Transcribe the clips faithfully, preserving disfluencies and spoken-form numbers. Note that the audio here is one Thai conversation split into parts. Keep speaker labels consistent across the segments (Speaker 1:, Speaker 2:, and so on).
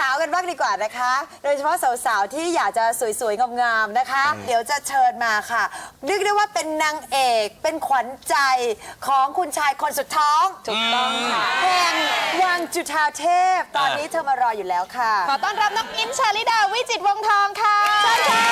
Speaker 1: าวๆกันบ้างดีกว่านะคะโดยเฉพาะสาวๆที่อยากจะสวยๆงามๆนะคะเดี๋ยวจะเชิญมาค่ะเรียกได้ว่าเป็นนางเอกเป็นขวัญใจของคุณชายคนสุดท้องถูกต้องค่ะแห่งวังจุฑาเทพตอนนี้เธอมารออยู่แล้วค่ะ
Speaker 2: ขอต้อนรับน้องอินชาลิดาวิจิตรวงศ์ทองค่ะ
Speaker 1: เชิญค่ะ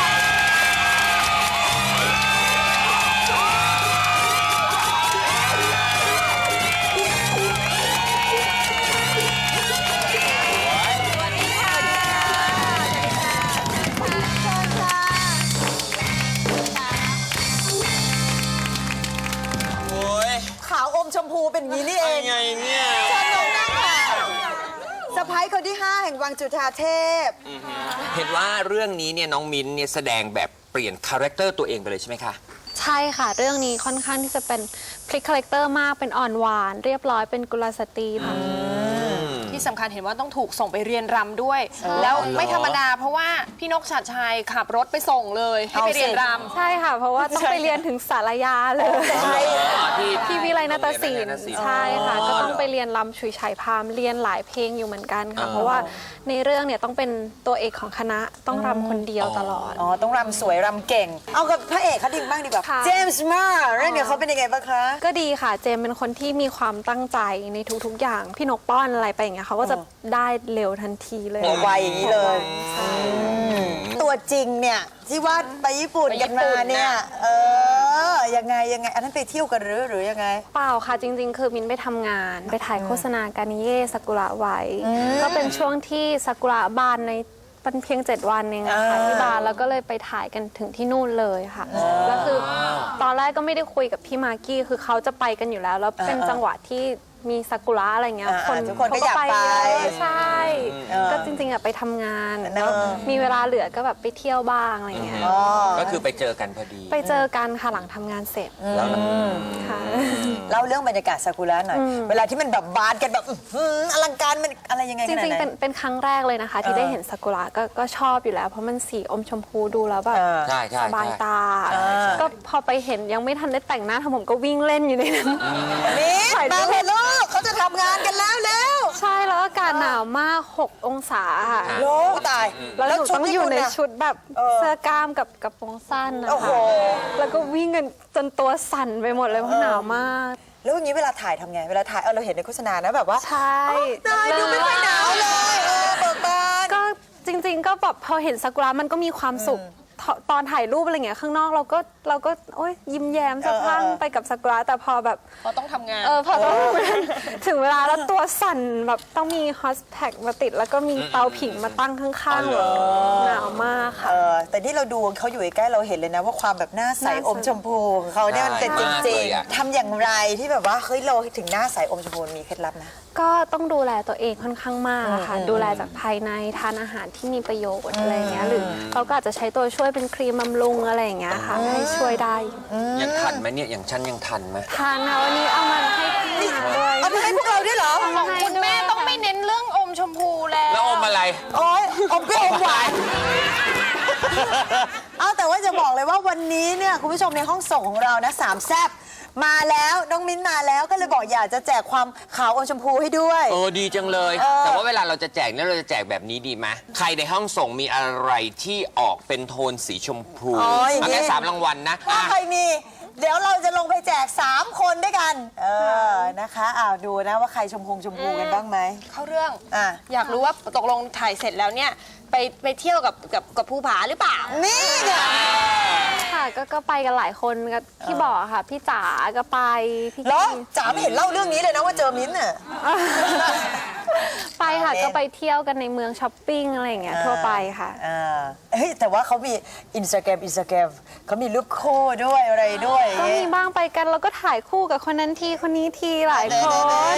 Speaker 1: ขาวอมชมพูเป็นงี้นี่เอง
Speaker 3: ไงเนี่ย
Speaker 1: เชิญน้องนั่งค่ะสะพ้ายคนที่ห้าแห่งวังจุฑาเทพ
Speaker 3: เห็นว่าเรื่องนี้เนี่ยน้องมิ้นเนี่ยแสดงแบบเปลี่ยนคาแรคเตอร์ตัวเองไปเลยใช่ไหมคะ
Speaker 4: ใช่ค่ะเรื่องนี้ค่อนข้างที่จะเป็นพลิกคาแรคเตอร์มากเป็นอ่อนหวานเรียบร้อยเป็นกุลสตรีค่ะ
Speaker 2: ที่สำคัญเห็นว่าต้องถูกส่งไปเรียนรำด้วยแล้วไม่ธรรมดาเพราะว่าพี่นกชัดชัยขับรถไปส่งเลยให้ไปเรียนรำ
Speaker 4: ใช่ค่ะเพราะว่าต้องไปเรียนถึงสารยาเลยที่วิไลนาฏศิลป์ใช่ค่ะก็ต้องไปเรียนรำฉุยฉายพามเรียนหลายเพลงอยู่เหมือนกันค่ะเพราะว่าในเรื่องเนี่ยต้องเป็นตัวเอกของคณะต้องรำคนเดียวตลอด
Speaker 1: อ๋อต้องรำสวยรำเก่งเอากับพระเอกเขาดิ่งบ้างดีกว่าเจมส์มาร์เรื่องนี้เขาเป็นยังไงบ้างคะ
Speaker 4: ก็ดีค่ะเจมเป็นคนที่มีความตั้งใจในทุกๆอย่างพี่นกป้อนอะไรไปอย่างเงี้ยเขาก็จะได้เร็วทันทีเลย
Speaker 1: ไวอย่างนี้เลยตัวจริงเนี่ยที่ว่าไปญี่ปุ่นกันมาเนี่ยเออยังไงยังไงอันนั้นไปเที่ยวกันหรือหรือยังไง
Speaker 4: เปล่าค่ะจริงๆคือมินไปทำงานไปถ่ายโฆษณาการนิเย่ซากุระไว้ก็เป็นช่วงที่ซากุระบานในเป็นเพียงเจ็ดวันเองค่ะที่บานแล้วก็เลยไปถ่ายกันถึงที่นู่นเลยค่ะแล้วคือตอนแรกก็ไม่ได้คุยกับพี่มากกี้คือเขาจะไปกันอยู่แล้วแล้วเป็นจังหวะที่มีซากุระอะไรเงี้ย
Speaker 1: คนทุกคนก็อยากไป
Speaker 4: ใช่ก็จริงๆอะไปทำงานแล้วมีเวลาเหลือก็แบบไปเที่ยวบ้างอะไรเงี้ย
Speaker 3: ก็คือไปเจอกันพอดี
Speaker 4: ไปเจอกันค่ะหลังทำงานเสร็จ
Speaker 3: แล้ว
Speaker 4: ค่ะ
Speaker 1: เล่าเรื่องบรรยากาศซากุระหน่อยเวลาที่มันแบบบานกันแบบอลังการมันอะไรยังไง
Speaker 4: จริงๆเป็นเป็นครั้งแรกเลยนะคะที่ได้เห็นซากุระก็ก็ชอบอยู่แล้วเพราะมันสีอมชมพูดูแล้วแบบสบายตาก็พอไปเห็นยังไม่ทันได้แต่งหน้าทำผมก็วิ่งเล่นอยู่ในนั้น
Speaker 1: นี่ถ่ายรูปลูกเขาจะทำงานกันแล้วแล้ว
Speaker 4: ใช่แล้วอากาศหนาวมากหกองศาค่ะ
Speaker 1: โลตาย
Speaker 4: แล้วหนูต้องอยู่ในชุดแบบเสื้อกล้ามกับกระโปรงสั้นนะคะแล้วก็วิ่งกันจนตัวสั่นไปหมดเลยเพราะหนาวมาก
Speaker 1: แล้วอย่างนี้เวลาถ่ายทำไงเวลาถ่ายเออเราเห็นในโฆษณานะแบบว่า
Speaker 4: ใช่
Speaker 1: ตายดูไม่ค่อยหนาวเลยเออเบิกบาน
Speaker 4: ก็จริงๆก็แบบพอเห็นซากุระมันก็มีความสุขตอนถ่ายรูปอะไรเงี้ยข้างนอกเราก็เราก็โอ๊ยยิ้มแย้มสะพรั่งไปกับซากุระแต่พอแบบ
Speaker 2: พอต้องทำงาน
Speaker 4: เออพอต้องถึงเวลาแล้วตัวสั่นแบบต้องมีฮอสแท็กมาติดแล้วก็มีเตาผิงมาตั้งข้างๆหนาวมากค่ะ
Speaker 1: แต่ที่เราดูเขาอยู่ใกล้เราเห็นเลยนะว่าความแบบหน้าใสอมชมพูของเขาเนี่ยมันเป็นจริงๆทำอย่างไรที่แบบว่าเฮ้ยเราถึงหน้าใสอมชมพูมีเคล็ดลับนะ
Speaker 4: ก็ต้องดูแลตัวเองค่อนข้างมากค่ะดูแลจากภายในทานอาหารที่มีประโยชน์อะไรเงี้ยหรือเราก็อาจจะใช้ตัวช่วยเป็นครีมบำรุงอะไรอย่างเงี้ยค่ะให้ช่วยได้
Speaker 3: ยังทันไหมเนี่ยอย่างฉันยังทันไหม
Speaker 4: ทันนะวันนี้เอามาให้พี่ด้วย
Speaker 1: เอามาให้พวกเราด้วยเหรอ
Speaker 2: ของคุณแม่ต้องไม่เน้นเรื่องอมชมพูแล้ว
Speaker 3: แล้วอมอะไร
Speaker 1: โอ้ยอมเปรี้ยวอมหวานเอาแต่ว่าจะบอกเลยว่าวันนี้เนี่ยคุณผู้ชมในห้องส่งของเรานะสามแซ่บมาแล้วน้องมิ้นมาแล้วก็เลยบอกอยากจะแจกความขาวอมชมพูให้ด้วย
Speaker 3: เออดีจังเลยแต่ว่าเวลาเราจะแจกเนี่ยเราจะแจกแบบนี้ดีไหมใครในห้องส่งมีอะไรที่ออกเป็นโทนสีชมพูเอาแค่สามรางวัลนะ
Speaker 1: ถ้าใครมีเดี๋ยวเราจะลงไปแจกสามคนด้วยกันเออนะคะอ้าวดูนะว่าใครชมพูชมพูกันบ้างไหม
Speaker 2: เข้าเรื่องอ่ะอยากรู้ว่าตกลงถ่ายเสร็จแล้วเนี่ยไปไปเที่ยวกับกับกับภูผาหรือเปล่า
Speaker 1: นี่ไง
Speaker 4: ค่ะก็ก็ไปกันหลายคนกับที่บอกค่ะพี่จ๋าก็ไป
Speaker 1: พี่แล้วจ๋าไม่เห็นเล่าเรื่องนี้เลยนะว่าเจอมิ้นท์อ่ะ
Speaker 4: ไปค่ะก็ไปเที่ยวกันในเมืองช้อปปิ้งอะไรอย่างเงี้ยทั่วไปค่ะ
Speaker 1: เฮ้ยแต่ว่าเขามีอินสตาแกรมอินสตาแกรมเขามีรูปคู่ด้วยอะไรด้วย
Speaker 4: ก็มีบ้างไปกันแล้วก็ถ่ายคู่กับคนนั้นทีคนนี้ทีหลายคน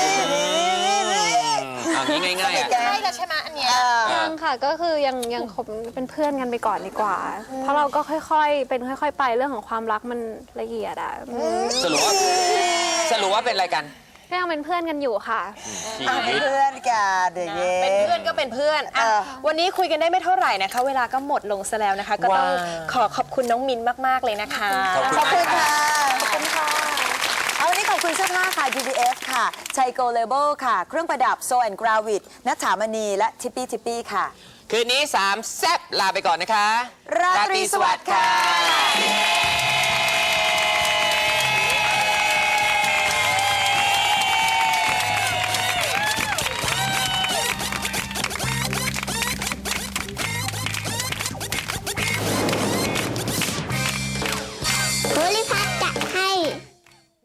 Speaker 3: เอางี้ง่ายๆ
Speaker 2: ใช่แล้วใช่ไหมอันเนี้ย
Speaker 4: ยังค่ะก็คือยังยังคบเป็นเพื่อนกันไปก่อนดีกว่าเพราะเราก็ค่อยๆเป็นค่อยๆไปเรื่องของความรักมันละเอียดอ่ะ
Speaker 3: สรุปว่าสรุปว่าเป็นอะไรกัน
Speaker 4: ก็ยังเป็นเพื่อนกันอยู่ค่ะ
Speaker 1: เป็นเพื่อนกันเด็ก
Speaker 2: เป็นเพื่อนก็เป็นเพื่อนอ่ะวันนี้คุยกันได้ไม่เท่าไหร่นะคะเวลาก็หมดลงซะแล้วนะคะก็ต้องขอขอบคุณน้องมินมากๆเลยนะคะ
Speaker 1: ขอบคุณค่ะขอบคุณค่ะเอาวันนี้ขอบคุณคุณเสื้อผ้าค่ะ ดี บี เอฟ ค่ะชัยโกเลเบลค่ะ เครื่องประดับโซแอนด์กราวิดนัทถามณีและทิปปี้ทิปปี้ค่ะ
Speaker 3: คืนนี้สามแซ่บลาไปก่อนนะคะ
Speaker 1: ราตรีสวัสดิ์ค่ะ